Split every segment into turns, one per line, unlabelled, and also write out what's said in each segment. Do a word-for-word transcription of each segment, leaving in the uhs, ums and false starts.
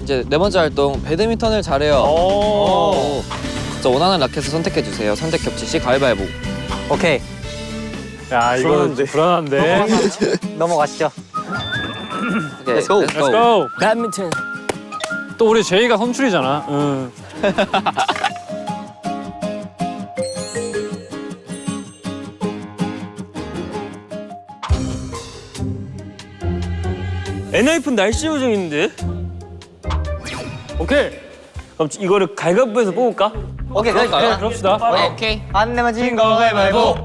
이제 네 번째 활동 배드민턴을 잘해요. 오. 자, 원하는 라켓을 선택해 주세요. 선택 겹치 시 가위바위보.
오케이.
야 이거 불안한데.
넘어가시죠.
오케이,
Let's go.
Let's
Let's go. 배드민턴. 또 우리 제이가 선출이잖아. 응.
엔하이픈 날씨 요정인데?
오케이.
그럼 이거를 갈갑부에서 뽑을까?
오케이, 그래, 그래.
그럽시다.
오케이.
안 내면 진 거 가위바위보.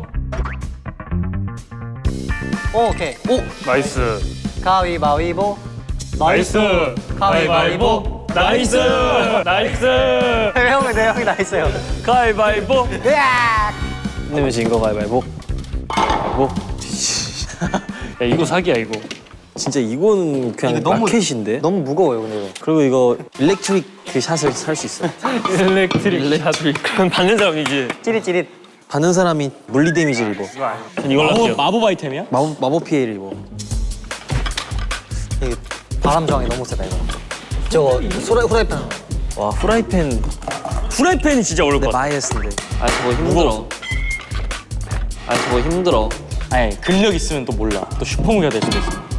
오, 오케이.
오.
나이스.
가위바위보.
나이스.
가위바위보.
나이스. 나이스.
형은 내 형이 나 있어요.
가위바위보.
으악!
내면 진거 가위바위보. 뭐?
야 이거 사기야 이거.
진짜 이거는 그냥
이거 너무-
라켓인데?
너무 무거워요, 근데 이거.
그리고 이거 일렉트릭 그 샷을 살 수 있어.
일렉트릭.
일렉트릭.
그럼 받는 사람이지.
찌릿찌릿.
받는 사람이 물리 데미지를 입어. 전 이걸로 할게요. 마법 아이템이야? 마법, 마법 피해를 입어.
이게 바람 저항이 너무 세다, 이거. 저거, 소라, 후라이팬.
와 후라이팬. 후라이팬이 진짜 어려울 것 같아.
마이너스인데.
아, 저거 힘들어. 아, 저거 힘들어.
아니 근력 있으면 또 몰라. 또 슈퍼무기가 될 수도 있어.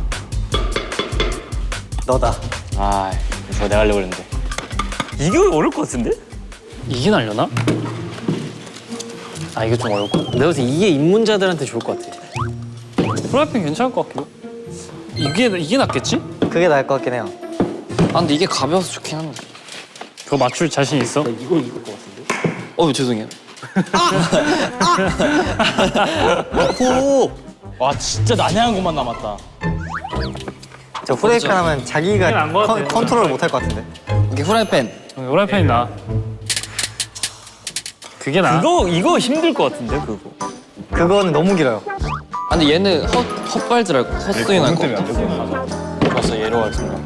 너다.
아 저거 내가 하려고 했는데. 이거 어려울 것 같은데?
이게 날려나? 아 이거 좀 어렵고.
내가 봤을 때 이게 입문자들한테 좋을 것 같아.
프라이팬 괜찮을 것 같기도. 이게 이게 낫겠지?
그게 나을 것 같긴 해요.
아, 근데 이게 가벼워서 좋긴 한데.
그거 맞출 자신 있어?
이거 이길 것 같은데?
어, 죄송해요.
오! 와 진짜 난해한 것만 남았다.
저 후라이팬 하면
그게
자기가
나은 것
컨,
같아.
컨트롤 못 할 것 같은데.
이게 후라이팬.
프라이팬이 나. 그게 나.
그거 이거 힘들 것 같은데 그거.
그거는 너무 길어요.
아, 근데 얘는 헛, 헛발질 할 거, 헛스윙 할 거.
벌써 예로 같은가.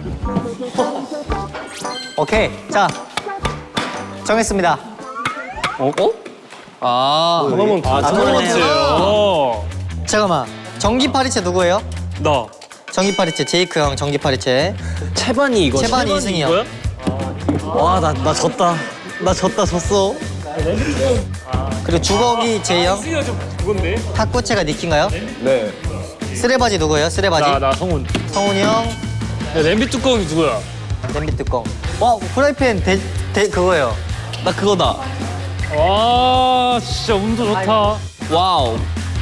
오케이. 자, 정했습니다.
어? 어? 아.
토너먼트.
아, 토너먼트.
어.
잠깐만. 전기 파리채 누구예요?
나.
전기 파리채 제이크 형 전기 파리채.
채반이 이거.
채반이 이승이요.
이거야? 와 나 나 졌다. 나 졌다 졌어.
그리고 주걱이 제이 형.
이거 좀 그건데.
탁구채가 니키인가요? 네. 쓰레바지 누구예요? 쓰레바지.
나 나 성훈.
성훈이 형.
야 냄비 뚜껑이 누구야?
냄비 뚜껑. 와 후라이팬 대, 대 그거예요.
나 그거다.
와 진짜 운도 좋다.
와우.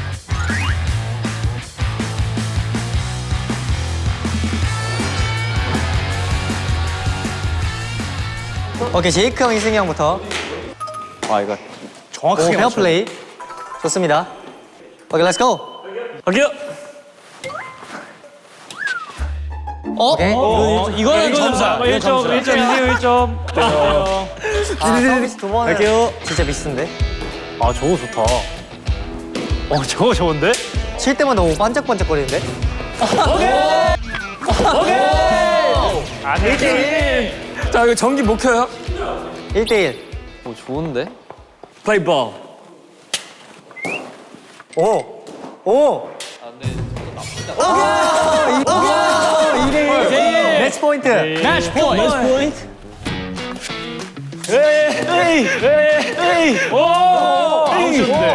오케이 제이크 형 이승이 형부터.
와 이거
오
정확하게
페어 플레이. 좋습니다. 오케이 렛츠 고.
갈게요.
어?
오케이.
어, 이거는 점수야. 이거
일 점,
점수야.
일 점, 일 점.
아 서비스 두 번은
갈게요.
진짜 미스인데.
아 저거 좋다. 어 저거 좋은데?
칠 때만 너무 반짝반짝거리는데.
아니.
자 이거 전기 못 켜요?
일 대일.
오, 좋은데?
플레이볼.
오. 오. 매치 포인트.
매치 포인트.
매치 포인트.
에이, 에이. 오! 아웃인데.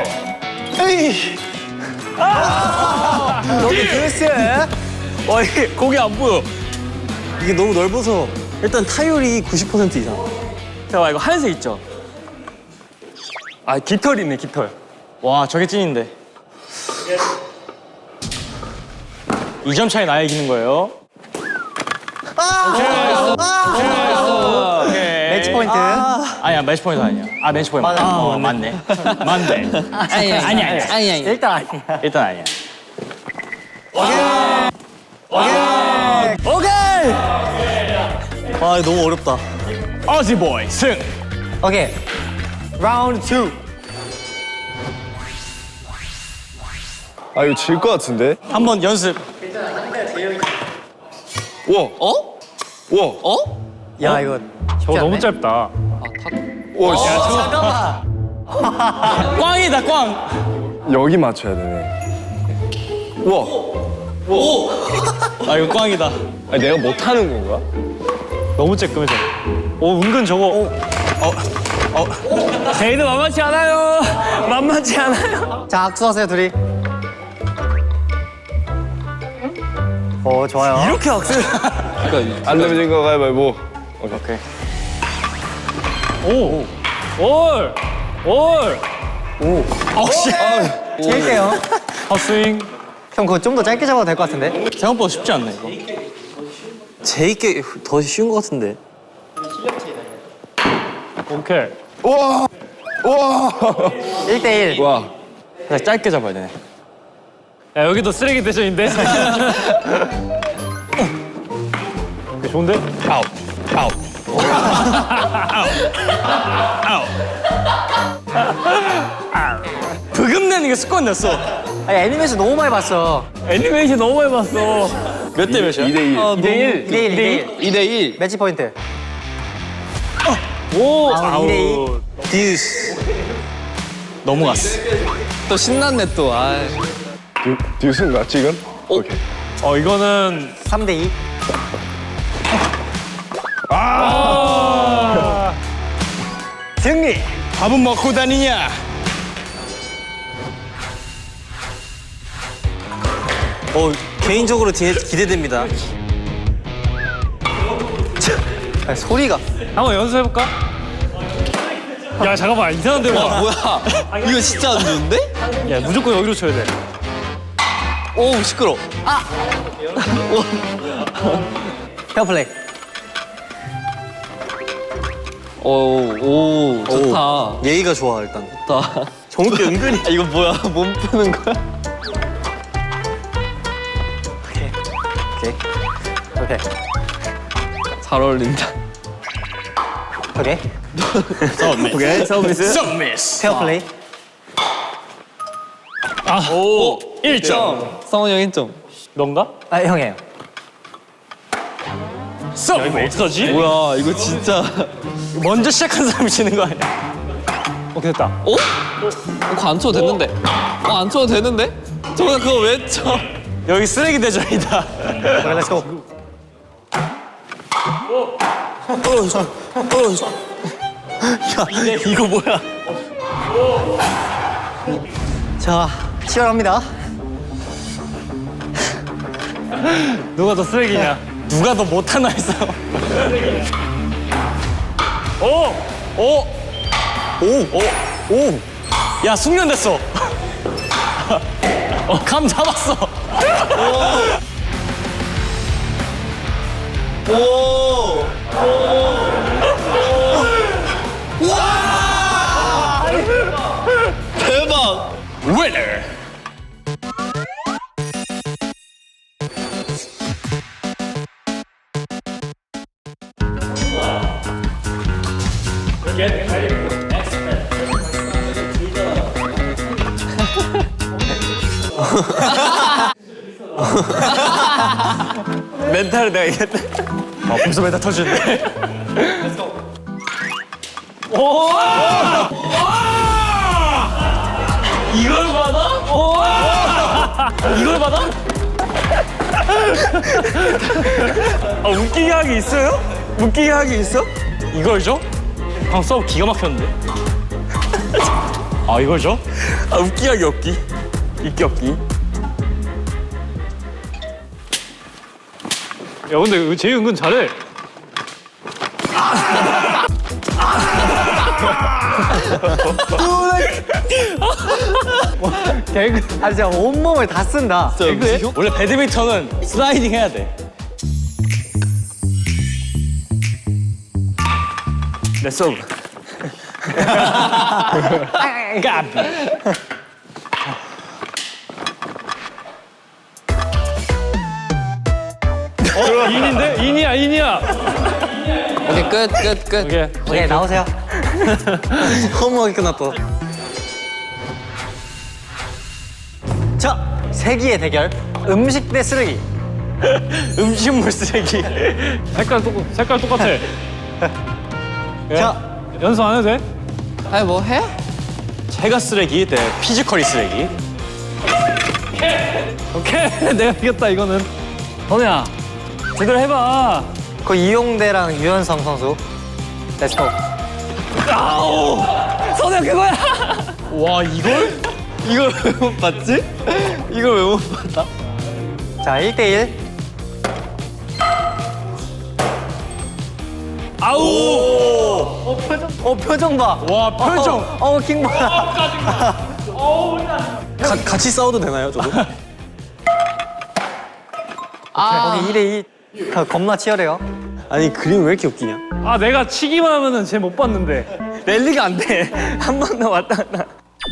여기 드레스.
와 이게 거기 안 보여. 이게 너무 넓어서 일단 타율이 구십 퍼센트 이상. 잠깐만 이거 하얀색 있죠? 아 깃털 있네 깃털. 와 저게 찐인데. 이 점 차이 나야 이기는 거예요. 오케이.
매치 포인트.
아니야 매치 포인트 아니야. 아 매치 포인트.
맞아.
아, 어, 맞네. 맞네.
아니, 아니, 아니, 아니, 아니.
일단 아니야.
일단 아니야.
오케이.
아 너무 어렵다. 어지보이 승.
오케이. 라운드 투.
아 이거 질 것 같은데?
한번 연습.
우와
어?
우와
어?
야 이거
저거 너무 짧다.
아, 탁.
우와 씨.
잠깐만.
꽝이다 꽝.
여기 맞춰야 되네 우와
아 이거 꽝이다.
아니 내가 못하는 건가?
너무 쬐끔해져. 오 은근 저거. 어, 어. 제이드 만만치 않아요. 만만치 않아요.
자, 악수하세요, 둘이. 오, 좋아요.
이렇게 악셀.
그러니까
안 내면 거 가위바위보. 오케이.
오. 올. 올.
어씨.
칠게요.
헛스윙.
형, 그거 좀 더 짧게 잡아도 될 것 같은데?
생각보다 쉽지 않네 이거. 제이께 더 쉬운 것 같은데.
오케이.
우와. 우와.
일 대 일.
와.
그냥 짧게 잡아야 되네.
야 여기도 쓰레기 대전인데. 오케이, 좋은데?
아웃. 아웃. 브금내는 게 습관 됐어.
아니, 애니메이션 너무 많이 봤어.
애니메이션 너무 많이 봤어.
몇 대 몇이야?
이 대 일.
이 대 일.
이 대 일, 이 대 일.
이 대 일.
매치 포인트.
오.
아, 이 대 이.
듀스. 넘어갔어.
또 신났네 또. 아.
듀, 듀스인가 지금?
오.
오케이.
어 이거는.
삼 대 이.
아.
승리. 밥은 먹고 다니냐? 어 개인적으로 뒤에 기대됩니다.
아니, 소리가.
한번 연습해볼까? 야 잠깐만 이상한 데로 가.
뭐야? 이거 진짜 안 좋은데?
야 무조건 여기로 쳐야 돼.
오 시끄러.
페어플레이.
오오 좋다.
예의가 좋아 일단.
좋다.
정욱이 은근히.
아, 이거 뭐야? 몸 푸는 거야?
오케이. 오케이.
잘 어울린다.
오케이.
서비스. 오케이 서비스. 서비스.
페어플레이.
아.
오
일 점.
성훈이 형 일 점.
넌가?
아, 형이에요.
써. 야, 이거 어떡하지?
뭐야 이거 진짜.
먼저 시작한 사람이 지는 거 아니야?
오케이 됐다.
어? 그거 안 쳐도 됐는데. 어 안 쳐도 되는데? 저거 그거 왜 쳐?
여기 쓰레기 대전이다.
오케이, 렛츠고.
야 이거 뭐야?
자, 치열합니다.
누가 더 쓰레기냐?
누가 더 못하나 했어.
오.
오! 오! 오! 오! 야 숙련됐어. 어, 감 잡았어.
대박.
위너. 멘탈을 내가 이겼다.
아 벌써 메타 터지는데.
이걸 받아?
이걸 받아?
아 웃기게 하기 있어요? 웃기게 하기 있어?
이걸 줘? 방금 서브 기가 막혔는데. 아 이걸 줘?
아 웃기게 하기 없기. 있기 없기.
야 근데 제이 은근 잘해.
개그. 아, 진짜 온몸을 다 쓴다.
개그해?
원래 배드민턴은 슬라이딩 해야 돼. 내 서브. 깝.
어 인인데? 인이야 인이야.
오케이 끝 끝 끝.
오케이.
오케이, 나오세요.
허무하게 끝났다.
자, 세기의 대결. 음식 대 쓰레기.
음식물 쓰레기.
색깔 똑 색깔 똑같아. 예.
자,
연습 안 해도 돼?
아니 뭐 해?
제가 쓰레기 대 피지컬이 쓰레기.
오케이 내가 이겼다 이거는. 선우야 제대로 해봐.
그 이용대랑 유현성 선수. 렛츠고.
아우! 선우야, 그거야! 와, 이걸?
이걸 왜 못 봤지? 이걸 왜 못 봤다?
자, 일 대 일.
아우!
어, 표정. 어, 표정 봐.
와, 표정!
어, 어 킹 봐.
가, 같이 싸워도 되나요, 저도?
거기 이 대 이. 겁나 치열해요.
아니, 그림 왜 이렇게 웃기냐?
아, 내가 치기만 하면은 쟤 못 봤는데.
랠리가 안 돼. 한 번 더 왔다 갔다.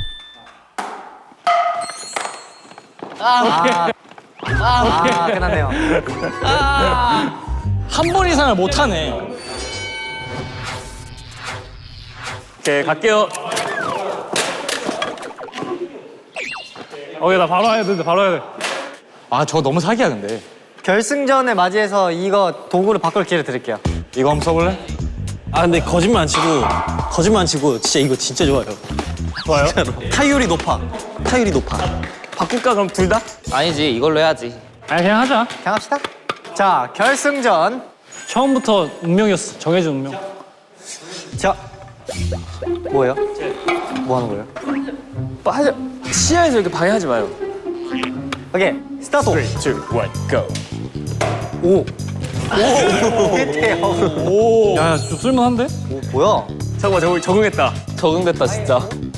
아, 아 끝났네요.
한 번 이상을 못 하네.
오케이, 갈게요.
어, 야, 나 바로 해야 되는데, 바로 해야 돼.
아, 저거 너무 사기야, 근데.
결승전에 맞이해서 이거 도구를 바꿀 기회를 드릴게요.
이거 한번 써볼래? 아, 근데 거짓말 안 치고, 거짓말 안 치고, 진짜 이거 진짜 좋아요.
좋아요?
타율이 높아. 타율이 높아. 바꿀까, 그럼 둘 다?
아니지, 이걸로 해야지.
아니, 그냥 하자.
그냥 합시다. 자, 결승전.
처음부터 운명이었어. 정해진 운명.
자, 뭐예요? 뭐 하는 거예요?
빠져. 시야에서 이렇게 방해하지 마요.
오케이, 스타트.
삼, 이, 일, 고!
오. 오. 끝에요.
오! 야, 야, 좀 쓸만한데?
오, 뭐야?
잠깐만, 저 적응했다.
적응됐다, 진짜.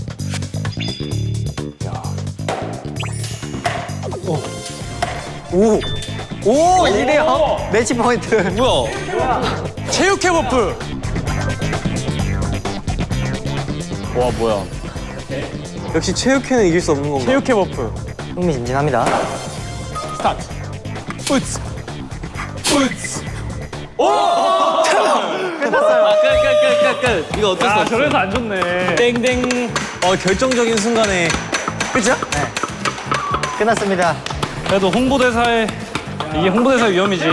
오. 오, 이 대 영. 매치 포인트.
뭐야?
체육회 버프.
와, 뭐야.
역시 체육회는 이길 수 없는 건가?
체육회 버프.
흥미진진합니다.
스타트. 푸츠. 푸츠.
끝났어요.
끝, 끝, 끝, 끝, 끝. 이거 어쩔 수
아,
없어.
저래서 안 좋네.
땡땡. 어, 결정적인 순간에. 그죠?
끝났습니다.
그래도 홍보대사의, 이게 홍보대사의 위험이지.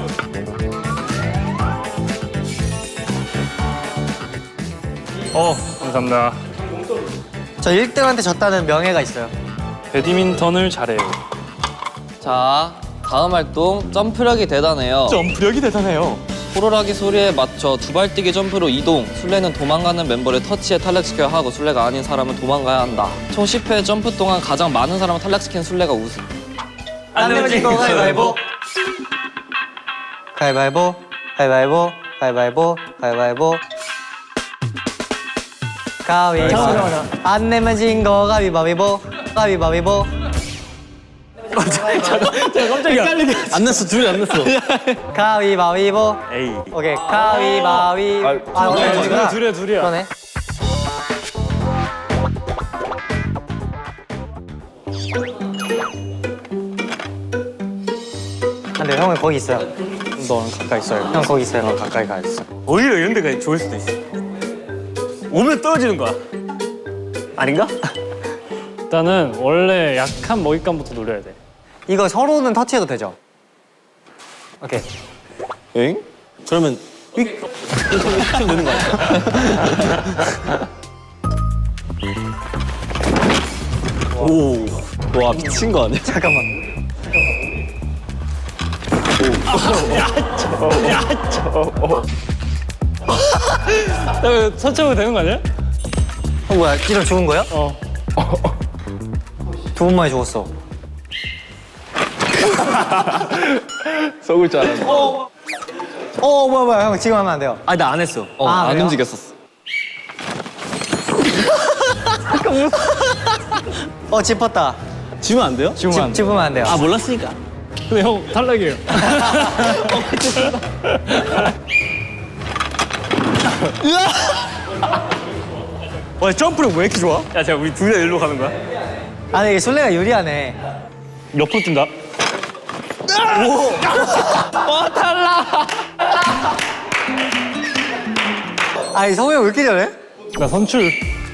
어, 감사합니다.
저 일 등한테 졌다는 명예가 있어요.
배드민턴을 잘해요.
자, 다음 활동 점프력이 대단해요.
점프력이 대단해요.
호루라기 소리에 맞춰 두발뛰기 점프로 이동. 술래는 도망가는 멤버를 터치해 탈락시켜야 하고 술래가 아닌 사람은 도망가야 한다. 총 십 회 점프 동안 가장 많은 사람을 탈락시킨 술래가 우승.
안 내면 진거 가위바위보. 가위바위보. 가위바위보. 가위바위보. 가위바위보. 가위바위보. 안 내면 진거 가위바위보. 가위바위보.
깜짝이야.
안 났어, 둘이 안 났어.
가위바위보.
에이.
오케이. 가위바위. 아, 오케이.
둘이야, 둘이야, 둘이야.
그러네. 근데 형은 거기 있어요.
너는 가까이 있어요.
형 거기 있어요.
너 가까이 가 있어. 오히려 이런 데가 좋을 수도 있어. 오면 떨어지는 거야. 아닌가?
일단은 원래 약한 먹잇감부터 노려야 돼.
이거 서로는 터치해도 되죠? 오케이.
엥? 그러면 휙 하면 되는 거 아니야? 오, 와 미친 거 아니야?
잠깐만.
야, 선착으로 되는 거 아니야?
어, 뭐야? 이름 죽은 거야?
어.
두 번만에 죽었어.
썩을 줄 알았네.
어, 뭐야, 뭐야. 형 지금 하면 안 돼요.
아니 나 안 했어.
어,
아,
안
그래요?
움직였었어.
어, 짚었다.
지면 안 돼요?
지금 안 돼.
짚으면 안 돼요.
아 몰랐으니까.
근데 형 탈락이에요.
와 점프력 왜 이렇게 좋아?
야, 제가 우리 둘 다 일로 가는 거야?
아니, 이게 술래가 유리하네.
옆으로 뛴다.
아니, 성우 형 왜 이렇게 잘해?
나 선출.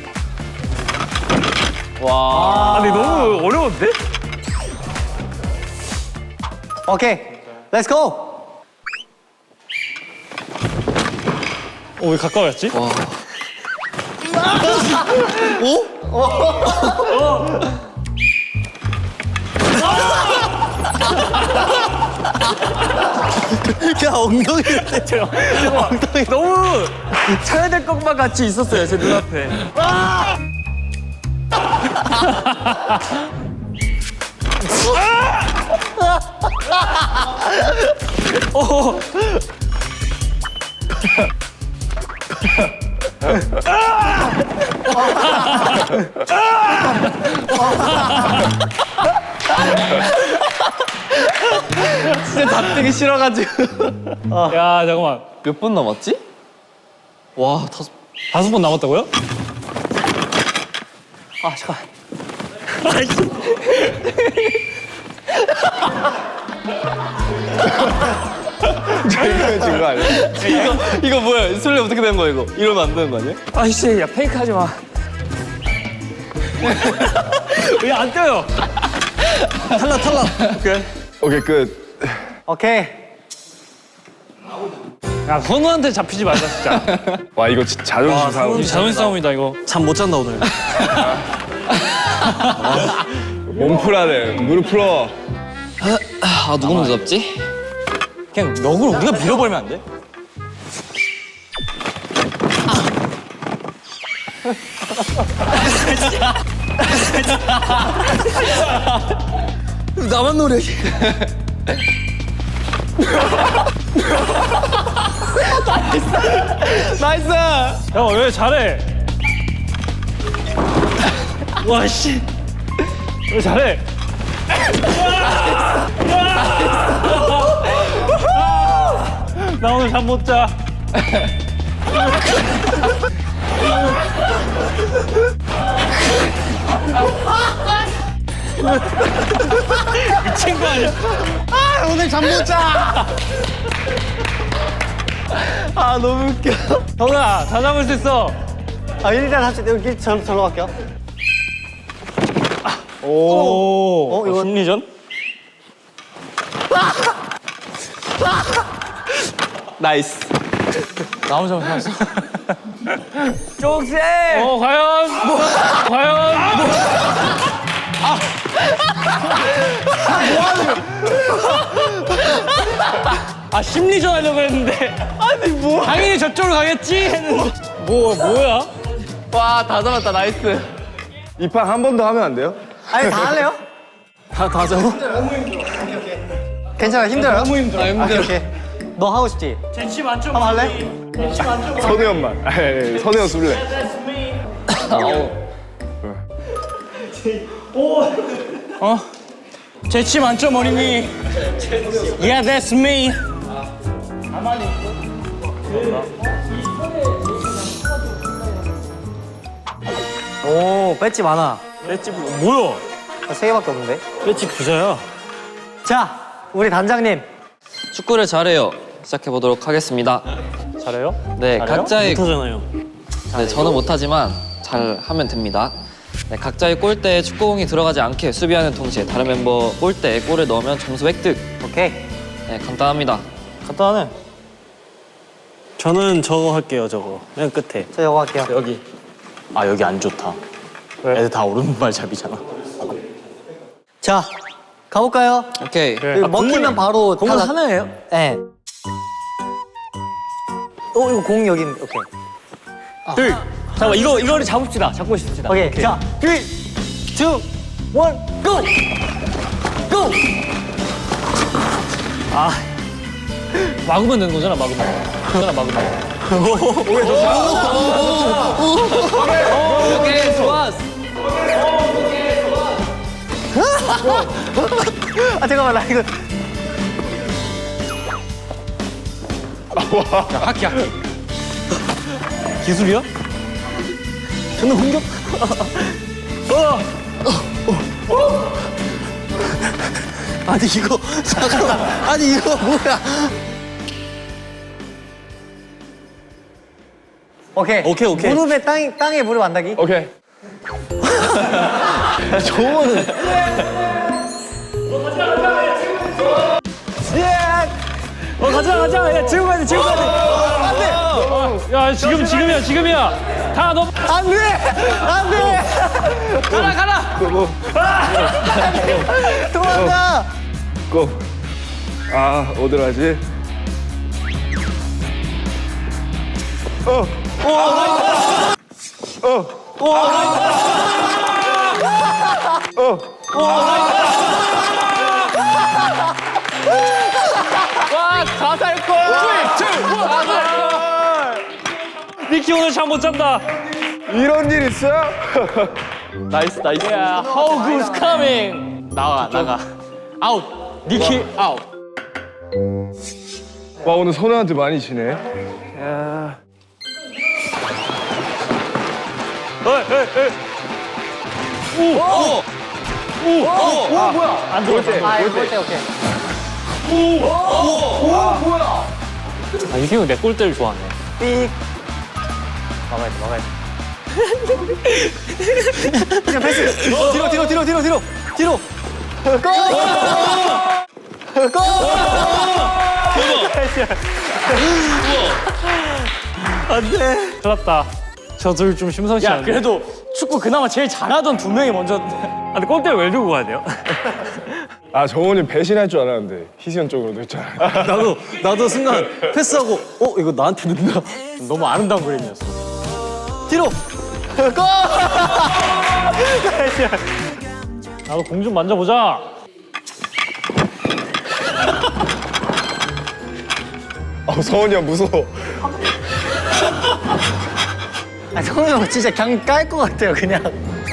와.
아니, 너무 어려운데?
오케이. 렛츠 고!
어, 왜 가까워졌지?
와.
야 엉덩이를 때려. 엉덩이.
너무 쳐야 될 것만 같이 있었어요 제 눈앞에. 오.
진짜 잡히기 싫어가지고.
야 잠깐만.
몇 분 남았지? 와 다섯.
다섯 번 남았다고요?
아 잠깐.
이거 진거 아니야?
이거 이거 뭐야? 술래 어떻게 된 거야 이거? 이러면 안 되는 거 아니야?
아이씨 야 페이크 하지 마.
왜 안 떠요?
탈락 탈락. 오케이.
오케이 끝.
오케이.
야 선우한테 잡히지 말자 진짜.
와 이거 진짜 자존심 싸움.
이 자존심 싸움이다 이거.
잠 못 잔다 오늘.
몸 풀어야 돼. 무릎 풀어.
아 누구 먼저 잡지?
그냥 역으로 우리가 밀어버리면 안 돼?
나만 노래.
나이스.
야왜 잘해? 와 씨. 왜 잘해? 나 오늘 잠 못 자. 미친 거 아니야?
아 오늘 잠 못 자.
아 너무 웃겨.
형아 다 잡을 수 있어.
아 일단 합시다. 여기 저 절로 갈게요.
오.
어, 이거-
심리전?
나이스.
나 혼자 살았어.
쪽세.
어 과연? 과연? 아 심리전 하려고 했는데. 아니 뭐? 당연히 저쪽으로 가겠지 했는데. 뭐 뭐야?
와 다 잡았다 나이스.
이 판 한 번 더 하면 안 돼요?
아니 다 할래요?
다다 잡아.
괜찮아 힘들어요?
너무 힘들어. 아, 힘들어.
오케이, 오케이. 너 하고 싶지?
젠치 만점.
한번 할래?
선우형만. 에이, 선우형 술래.
어? 재치 만점 어린이. Yeah, that's me.
오 배지 많아.
배지 부- 뭐야?
아, 세 개밖에 없는데.
배지 부자야.
자 우리 단장님.
축구를 잘해요. 시작해 보도록 하겠습니다.
잘해요?
네 각자의
못하잖아요.
네, 저는 못하지만 잘 하면 됩니다. 네, 각자의 골대에 축구공이 들어가지 않게 수비하는 동시에 다른 멤버 골대에 골을 넣으면 점수 획득.
오케이.
네, 간단합니다.
간단하네. 저는 저거 할게요. 저거 맨 끝에.
저 이거 할게요.
여기. 아 여기 안 좋다.
왜?
애들 다 오른발 잡이잖아.
자 가볼까요?
오케이.
이거 먹히면 바로
공은
탈락.
하나예요?
네. 어 이거 공 여기 있는데. 오케이.
둘. 잠깐만 이거 이거를 잡읍시다. 잡고 싶습니다.
오케이. 자 삼, 이, 일, 고! 고!
막으면 되는 거잖아. 막으면. 그잖아 막으면.
오케이, 좋았어.
아 잠깐만 나 이거.
하키 하키. 기술이야?
저는 공격.
아니 이거 잠깐만. 아니 이거 뭐야? 오케이.
오케이, 오케이.
무릎에 땅 땅에 무릎 안 닿기.
오케이.
어 가자 가자. 야 지금 가야 돼. 지금 가야 돼. 안돼. 야 지금 지금이야 지금이야. 다 너.
안돼. 안돼.
가라 가라.
도망가.
고. 아, 어디라지? 어. 어. 어.
니키 오늘 잠 못 잔다.
이런 일 있어요?
나이스 나이스.
야, how good's coming.
나가 나가. 아웃. 니키 아웃.
와, 오늘 선우한테 많이 지네.
안 들어왔어.
아 이거 볼때 오케이.
아, 니키 형내 골대를 좋아하네.
삑.
막아야 돼, 막아야 돼.
그냥 패스. 어, 뒤로 뒤로 뒤로 뒤로 뒤로 뒤로.
큰일 났다. 저 둘 좀 심상치
야
않네.
그래도 축구 그나마 제일 잘하던 두 명이 먼저.
아, 근데 골대를 왜 들고 가야 돼요?
아, 정훈이 배신할 줄 알았는데 희시현 쪽으로도 있잖아요.
나도 나도 순간 패스하고 어 이거 나한테 넣는다.
너무 아름다운 그림이었어.
뒤로.
나도 공 좀 만져보자.
아, 서훈이 형 무서워.
아, 성우 형 진짜 그냥 깔 것 같아요 그냥.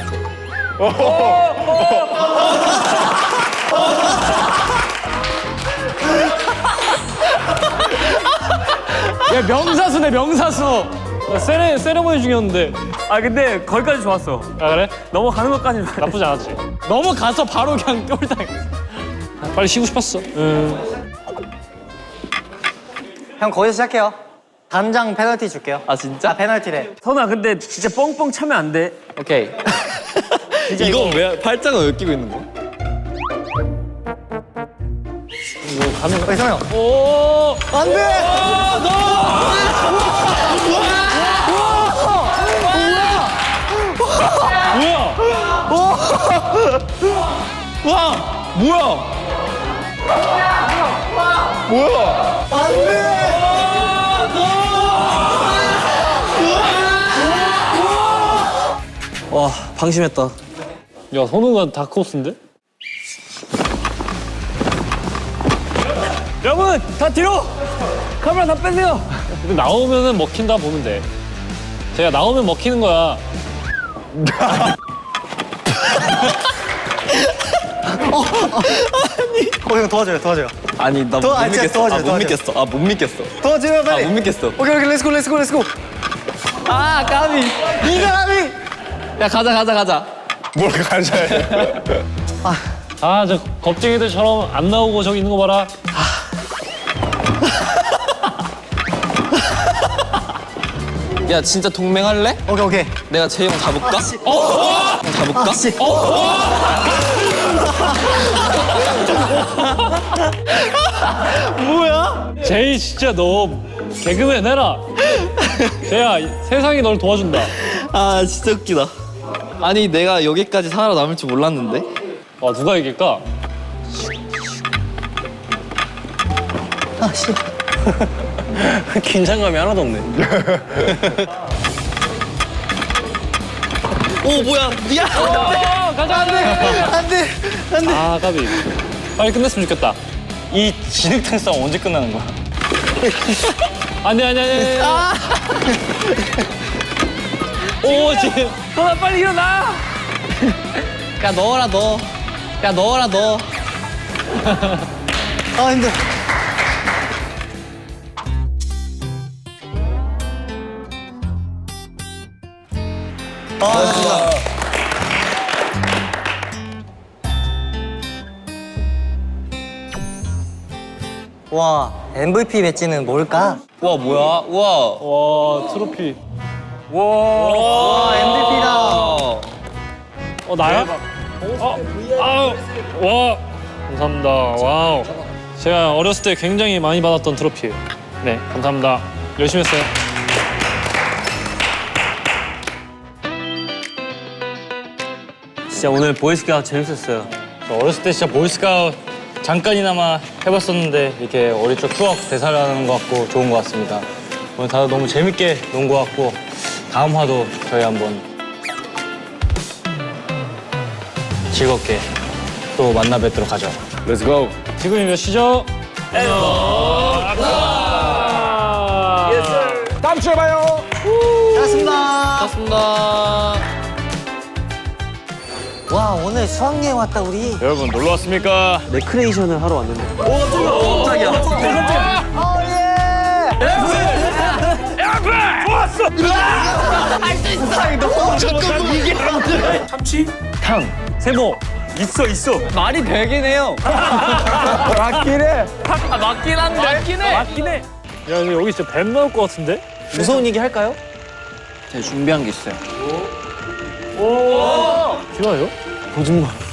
야 명사수네 명사수.
세레, 세레모니 중이었는데.
아 근데 거기까지 좋았어.
아, 그래?
넘어가는 것까지
나쁘지 않았지.
넘어가서 바로 그냥 똘당.
빨리 쉬고 싶었어. 음.
형 거기서 시작해요. 단장 페널티 줄게요.
아 진짜?
아 페널티래.
선아 근데 진짜 뻥뻥 차면 안 돼.
오케이. 이거 왜 팔짱을 왜 끼고 있는 거야?
어이 성우 형.
오!
안 돼.
뭐야?
뭐야? 뭐야?
안 돼. 와 방심했다.
야, 선우가 다크호스인데?
여러분 다 뒤로. 카메라 다 빼세요.
근데 나오면은 먹힌다 보면 돼. 제가 나오면 먹히는 거야.
어형 도와줘요 도와줘요.
아니 나
더-
못
아, 진짜
믿겠어.
도와줘,
아, 못
도와줘.
믿겠어. 아 못 믿겠어.
도와줘요 빨리.
아 못 믿겠어.
오케이 오케이 렛츠고 렛츠고 렛츠고.
아 까비.
네가 감히.
야 가자 가자 가자.
뭘 가져야
아, 저 겁쟁이들처럼 안 나오고 저기 있는 거 봐라.
야 진짜 동맹할래?
오케이 오케이.
내가 재영 잡을까?
씨.
어? 잡을까?
아, 씨. 뭐야?
제이 진짜 너 개그맨 해라. 제야, 세상이 널 도와준다.
아 진짜 웃기다. 아니 내가 여기까지 살아남을 줄 몰랐는데.
와, 누가 이길까?
아 씨.
긴장감이 하나도 없네.
오 뭐야 미안.
어, 가자, 안 돼.
안돼 안돼.
아, 까비. 빨리 끝냈으면 좋겠다.
이 진흙탕 싸움 언제 끝나는 거야?
안 돼, 아니, 아니, 아니. 아. 오, 지금.
선아 빨리 일어나.
야 넣어라 넣어. 야 넣어라 넣어.
아 힘들어. 아 진짜. 와 엠브이피 배지는 뭘까?
와 뭐야? 우와.
와, 트로피.
와 엠브이피다.
어.
어, 나야? 어, 아우, 와, 감사합니다. 와우. 제가 어렸을 때 굉장히 많이 받았던 트로피예요. 네, 감사합니다. 열심히 했어요.
진짜 오늘 보이스카우트 재밌었어요.
저 어렸을 때 진짜 보이스카우트 잠깐이나마 해봤었는데 이렇게 어릴 적 추억 되살아나는 것 같고 좋은 것 같습니다. 오늘 다들 너무 재밌게 논 것 같고 다음 화도 저희 한번 즐겁게 또 만나 뵙도록 하죠.
Let's go.
지금이 몇 시죠?
다음 주에 봐요.
고맙습니다.
고맙습니다.
와, 오늘 수학여행 왔다, 우리.
여러분 놀러 왔습니까?
레크레이션을 하러 왔는데.
세모 있어 있어.
말이 되긴 해요.
맞긴 해.
맞긴 한데. 맞긴 해. 맞긴 해. 야 근데 여기 진짜 뱀 나올 것 같은데?
무서운 얘기 할까요?
제가 준비한 게 있어요.
싫어요?
거짓말.